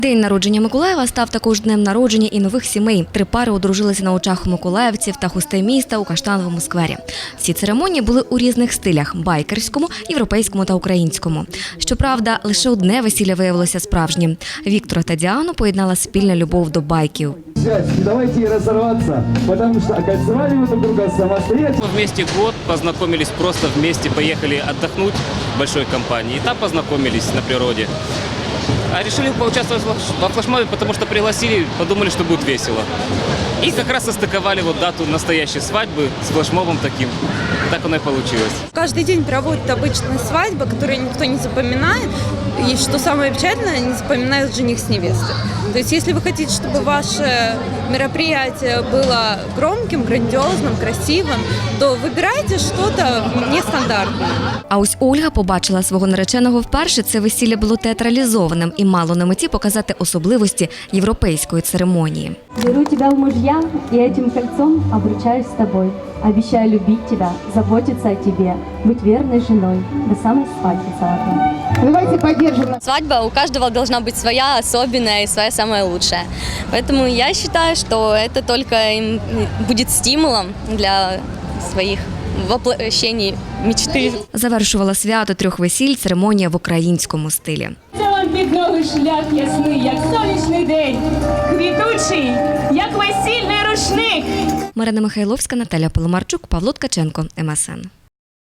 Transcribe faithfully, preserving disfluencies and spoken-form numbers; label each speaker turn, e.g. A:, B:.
A: День народження Миколаєва став також днем народження і нових сімей. Три пари одружилися на очах у миколаївців та гостей міста у Каштановому сквері. Всі церемонії були у різних стилях – байкерському, європейському та українському. Щоправда, лише одне весілля виявилося справжнім. Віктора та Діану поєднала спільна любов до байків.
B: Давайте разорваться, потому что окольцевали мы друг друга самостоятельно.
C: Мы вместе год познакомились, просто вместе поехали отдохнуть в большой компании. И там познакомились на природе. А решили поучаствовать во флешмобе, потому что пригласили, подумали, что будет весело. И как раз состыковали вот дату настоящей свадьбы с флешмобом таким. Так оно и получилось.
D: Каждый день проводят обычная свадьба, которую никто не запоминает. И что самое печальное, не запоминают жених с невестой. То есть если вы хотите, чтобы ваше мероприятие было громким, грандиозным, красивым, то выбирайте что-то нестандартное.
A: А ось Ольга побачила свого нареченого вперше. Це весілля було театралізованим і мало на меті показати особливості європейської церемонії.
E: Беру тебя в мужья и этим кольцом обручаюсь с тобой. Обещаю любить тебя, заботиться о тебе, быть верной женой до самой свадьбы золотой.
F: Давайте поддержим.
G: Свадьба у каждого должна быть своя, особенная и своя самая лучшая. Поэтому я считаю, что это только им будет стимулом для своих воплощений мечты.
A: Завершувала свято трьох весіль церемонія в українському стилі.
H: Це вам під ноги шлях ясний, як сонячний день, квітучий, як весільний рушник.
A: Марина Михайловська, Наталя Поломарчук, Павло Ткаченко, ем ес ен.